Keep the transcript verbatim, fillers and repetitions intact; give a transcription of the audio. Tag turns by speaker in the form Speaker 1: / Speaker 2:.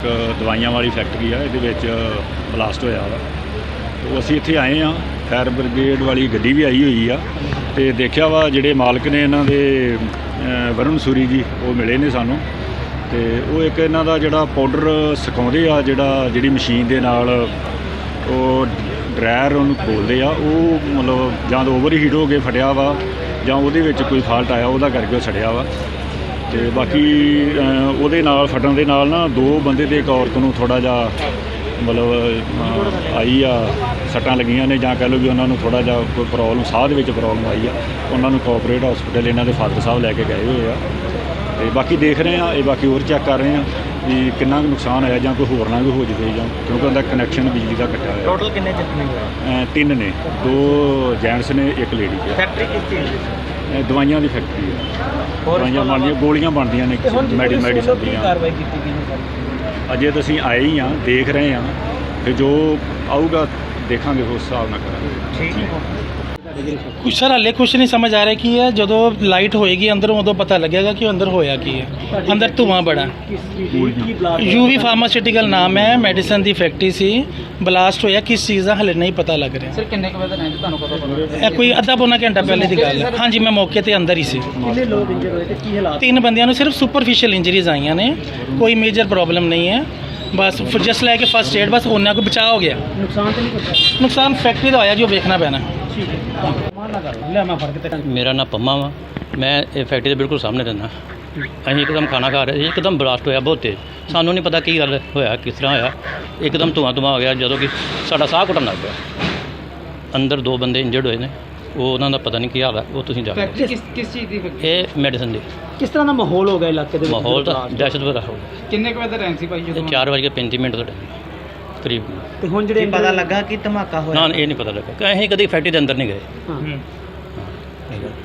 Speaker 1: ਦਵਾਈਆਂ ਵਾਲੀ ਫੈਕਟਰੀ ਆ, ਇਹਦੇ ਵਿੱਚ ਬਲਾਸਟ ਹੋਇਆ ਵਾ। ਉਹ ਅਸੀਂ ਇੱਥੇ ਆਏ ਆ, ਫਾਇਰ ਬ੍ਰਿਗੇਡ ਵਾਲੀ ਗੱਡੀ ਵੀ ਆਈ ਹੋਈ ਆ ਅਤੇ ਦੇਖਿਆ ਵਾ ਜਿਹੜੇ ਮਾਲਕ ਨੇ ਇਹਨਾਂ ਦੇ ਵਰੁਣ ਸੂਰੀ ਜੀ, ਉਹ ਮਿਲੇ ਨੇ ਸਾਨੂੰ। ਅਤੇ ਉਹ ਇੱਕ ਇਹਨਾਂ ਦਾ ਜਿਹੜਾ ਪਾਊਡਰ ਸੁਕਾਉਂਦੇ ਆ, ਜਿਹੜਾ ਜਿਹੜੀ ਮਸ਼ੀਨ ਦੇ ਨਾਲ ਉਹ ਡਰਾਇਰ ਉਹਨੂੰ ਖੋਲ੍ਹਦੇ ਆ, ਉਹ ਮਤਲਬ ਜਾਂ ਤਾਂ ਓਵਰ ਹੀਟ ਹੋ ਕੇ ਫਟਿਆ ਵਾ ਜਾਂ ਉਹਦੇ ਵਿੱਚ ਕੋਈ ਫਾਲਟ ਆਇਆ, ਉਹਦਾ ਕਰਕੇ ਉਹ ਸੜਿਆ ਵਾ। ਅਤੇ ਬਾਕੀ ਉਹਦੇ ਨਾਲ ਫਟਣ ਦੇ ਨਾਲ ਨਾ ਦੋ ਬੰਦੇ ਅਤੇ ਇੱਕ ਔਰਤ ਨੂੰ ਥੋੜ੍ਹਾ ਜਿਹਾ ਮਤਲਬ ਆਈ ਆ, ਸੱਟਾਂ ਲੱਗੀਆਂ ਨੇ, ਜਾਂ ਕਹਿ ਲਓ ਵੀ ਉਹਨਾਂ ਨੂੰ ਥੋੜ੍ਹਾ ਜਿਹਾ ਕੋਈ ਪ੍ਰੋਬਲਮ, ਸਾਹ ਦੇ ਵਿੱਚ ਪ੍ਰੋਬਲਮ ਆਈ ਆ। ਉਹਨਾਂ ਨੂੰ ਕੋਆਪਰੇਟ ਹਸਪੀਟਲ ਇਹਨਾਂ ਦੇ ਫਾਦਰ ਸਾਹਿਬ ਲੈ ਕੇ ਗਏ ਹੋਏ ਆ। ਅਤੇ ਬਾਕੀ ਦੇਖ ਰਹੇ ਹਾਂ, ਇਹ ਬਾਕੀ ਹੋਰ ਚੈੱਕ ਕਰ ਰਹੇ ਹਾਂ ਵੀ ਕਿੰਨਾ ਕੁ ਨੁਕਸਾਨ ਹੋਇਆ ਜਾਂ ਕੋਈ ਹੋਰ ਨਾ ਕੋਈ ਹੋ ਜਾਵੇ, ਜਾਂ ਕਿਉਂਕਿ ਉਹਦਾ ਕਨੈਕਸ਼ਨ ਬਿਜਲੀ ਦਾ ਕੱਟਿਆ ਹੋਇਆ।
Speaker 2: ਟੋਟਲ ਕਿੰਨੇ ਜ਼ਖਮੀ ਹੋਏ?
Speaker 1: ਤਿੰਨ ਨੇ, ਦੋ ਜੈਂਟਸ ਨੇ, ਇੱਕ ਲੇਡੀ ਹੈ।
Speaker 2: ਫੈਕਟਰੀ ਕਿਸ ਚੀਜ਼ ਦੀ?
Speaker 1: ਦਵਾਈਆਂ ਦੀ ਫੈਕਟਰੀ ਹੈ। ਦਵਾਈਆਂ ਬਣਦੀਆਂ, ਗੋਲੀਆਂ ਬਣਦੀਆਂ ਨੇ, ਮੈਡੀ ਮੈਡੀਸਨ ਦੀਆਂ।
Speaker 2: ਕਾਰਵਾਈ ਕੀਤੀ ਗਈ ਹੈ?
Speaker 1: ਅਜੇ ਤਾਂ ਅਸੀਂ ਆਏ ਹੀ ਹਾਂ, ਦੇਖ ਰਹੇ ਹਾਂ, ਫਿਰ ਜੋ ਆਊਗਾ ਦੇਖਾਂਗੇ, ਉਸ ਹਿਸਾਬ ਨਾਲ ਕਰਾਂਗੇ।
Speaker 2: ਠੀਕ ਹੈ।
Speaker 3: ਕੁਛ ਸਰ ਹਾਲੇ ਕੁਛ ਨਹੀਂ ਸਮਝ ਆ ਰਿਹਾ ਕੀ ਹੈ। ਜਦੋਂ ਲਾਈਟ ਹੋਏਗੀ ਅੰਦਰੋਂ ਉਦੋਂ ਪਤਾ ਲੱਗੇਗਾ ਕਿ ਅੰਦਰ ਹੋਇਆ ਕੀ ਹੈ। ਅੰਦਰ ਧੂੰਆਂ ਬੜਾ। ਯੂਵੀ ਫਾਰਮਾਸਿਊਟੀਕਲ ਨਾਮ ਹੈ, ਮੈਡੀਸਨ ਦੀ ਫੈਕਟਰੀ ਸੀ। ਬਲਾਸਟ ਹੋਇਆ ਕਿਸ ਚੀਜ਼ ਦਾ ਹਾਲੇ ਨਹੀਂ ਪਤਾ ਲੱਗ ਰਿਹਾ।
Speaker 2: ਸਰ ਕਿੰਨੇ ਕੁ ਵਜੇ ਟਾਈਮ ਤੁਹਾਨੂੰ ਕਦੋਂ ਪਤਾ?
Speaker 3: ਇਹ ਕੋਈ ਅੱਧਾ ਪੌਣਾ ਘੰਟਾ ਪਹਿਲੇ ਦੀ ਗੱਲ ਹੈ। ਹਾਂਜੀ, ਮੈਂ ਮੌਕੇ ਤੇ ਅੰਦਰ ਹੀ ਸੀ।
Speaker 2: ਕਿੰਨੇ ਲੋਕ ਇੰਜਰ ਹੋਏ ਤੇ ਕੀ ਹਾਲਾਤ?
Speaker 3: ਤਿੰਨ ਬੰਦਿਆਂ ਨੂੰ ਸਿਰਫ ਸੁਪਰਫਿਸ਼ੀਅਲ ਇੰਜਰੀਜ਼ ਆਈਆਂ ਨੇ, ਕੋਈ ਮੇਜਰ ਪ੍ਰੋਬਲਮ ਨਹੀਂ ਹੈ। ਬਸ ਜਸਟ ਲੈ ਕੇ ਫਸਟ ਏਡ, ਬਸ ਉਹਨਾਂ ਕੋ ਬਚਾਅ ਹੋ ਗਿਆ।
Speaker 2: ਨੁਕਸਾਨ ਤਾਂ ਨਹੀਂ ਪਹੁੰਚਿਆ?
Speaker 3: ਨੁਕਸਾਨ ਫੈਕਟਰੀ ਦਾ ਹੋਇਆ, ਜੋ ਵੇਖਣਾ ਪੈਣਾ।
Speaker 2: ਠੀਕ ਹੈ, ਮਾਨ ਨਾ ਕਰੋ, ਲੈ ਮੈਂ ਫੜ ਕੇ ਤੇ
Speaker 4: ਮੇਰਾ ਨਾਮ ਪੰਮਾ ਵਾ। ਮੈਂ ਇਹ ਫੈਕਟਰੀ ਦੇ ਬਿਲਕੁਲ ਸਾਹਮਣੇ ਰਹਿੰਦਾ। ਅਸੀਂ ਇੱਕਦਮ ਖਾਣਾ ਖਾ ਰਹੇ ਸੀ, ਇੱਕਦਮ ਬਲਾਸਟ ਹੋਇਆ ਬਹੁਤ ਤੇਜ਼। ਸਾਨੂੰ ਨਹੀਂ ਪਤਾ ਕੀ ਗੱਲ ਹੋਇਆ, ਕਿਸ ਤਰ੍ਹਾਂ ਹੋਇਆ। ਇੱਕਦਮ ਧੂੰਆਂ ਧੂੰਆਂ ਹੋ ਗਿਆ, ਜਦੋਂ ਕਿ ਸਾਡਾ ਸਾਹ ਘੁੱਟਣ ਲੱਗ ਪਿਆ। ਅੰਦਰ ਦੋ ਬੰਦੇ ਇੰਜਰਡ ਹੋਏ ਨੇ, ਉਹ ਉਹਨਾਂ ਦਾ ਪਤਾ ਨਹੀਂ ਕੀ ਹਾਲ ਹੈ, ਉਹ ਤੁਸੀਂ ਜਾ ਕੇ।
Speaker 2: ਫੈਕਟਰੀ ਕਿਸ ਕਿਸ ਚੀਜ਼ ਦੀ ਫੈਕਟਰੀ?
Speaker 4: ਇਹ ਮੈਡੀਸਨ ਦੀ।
Speaker 2: ਕਿਸ ਤਰ੍ਹਾਂ ਦਾ ਮਾਹੌਲ ਹੋ ਗਿਆ ਇਲਾਕੇ ਦੇ ਵਿੱਚ?
Speaker 4: ਮਾਹੌਲ ਤਾਂ ਦਹਿਸ਼ਤ ਭਰਾ ਹੋ ਗਿਆ।
Speaker 2: ਕਿੰਨੇ ਕੁ ਵਜੇ ਦਾ ਟਾਈਮ ਸੀ ਭਾਈ ਜਦੋਂ?
Speaker 4: ਚਾਰ ਵਜੇ ਪੈਂਤੀ ਮਿੰਟ ਦਾ ਟਾਈਮ ਕਰੀਬ।
Speaker 2: ਤੇ ਹੁਣ ਜਿਹੜੇ ਪਤਾ ਲੱਗਾ ਕਿ ਧਮਾਕਾ ਹੋਇਆ?
Speaker 4: ਨਾ, ਇਹ ਨਹੀਂ ਪਤਾ ਲੱਗਾ ਕਿ ਅਸੀਂ ਕਦੀ ਫੈਕਟਰੀ ਦੇ ਅੰਦਰ ਨਹੀਂ ਗਏ।
Speaker 2: ਹਾਂ।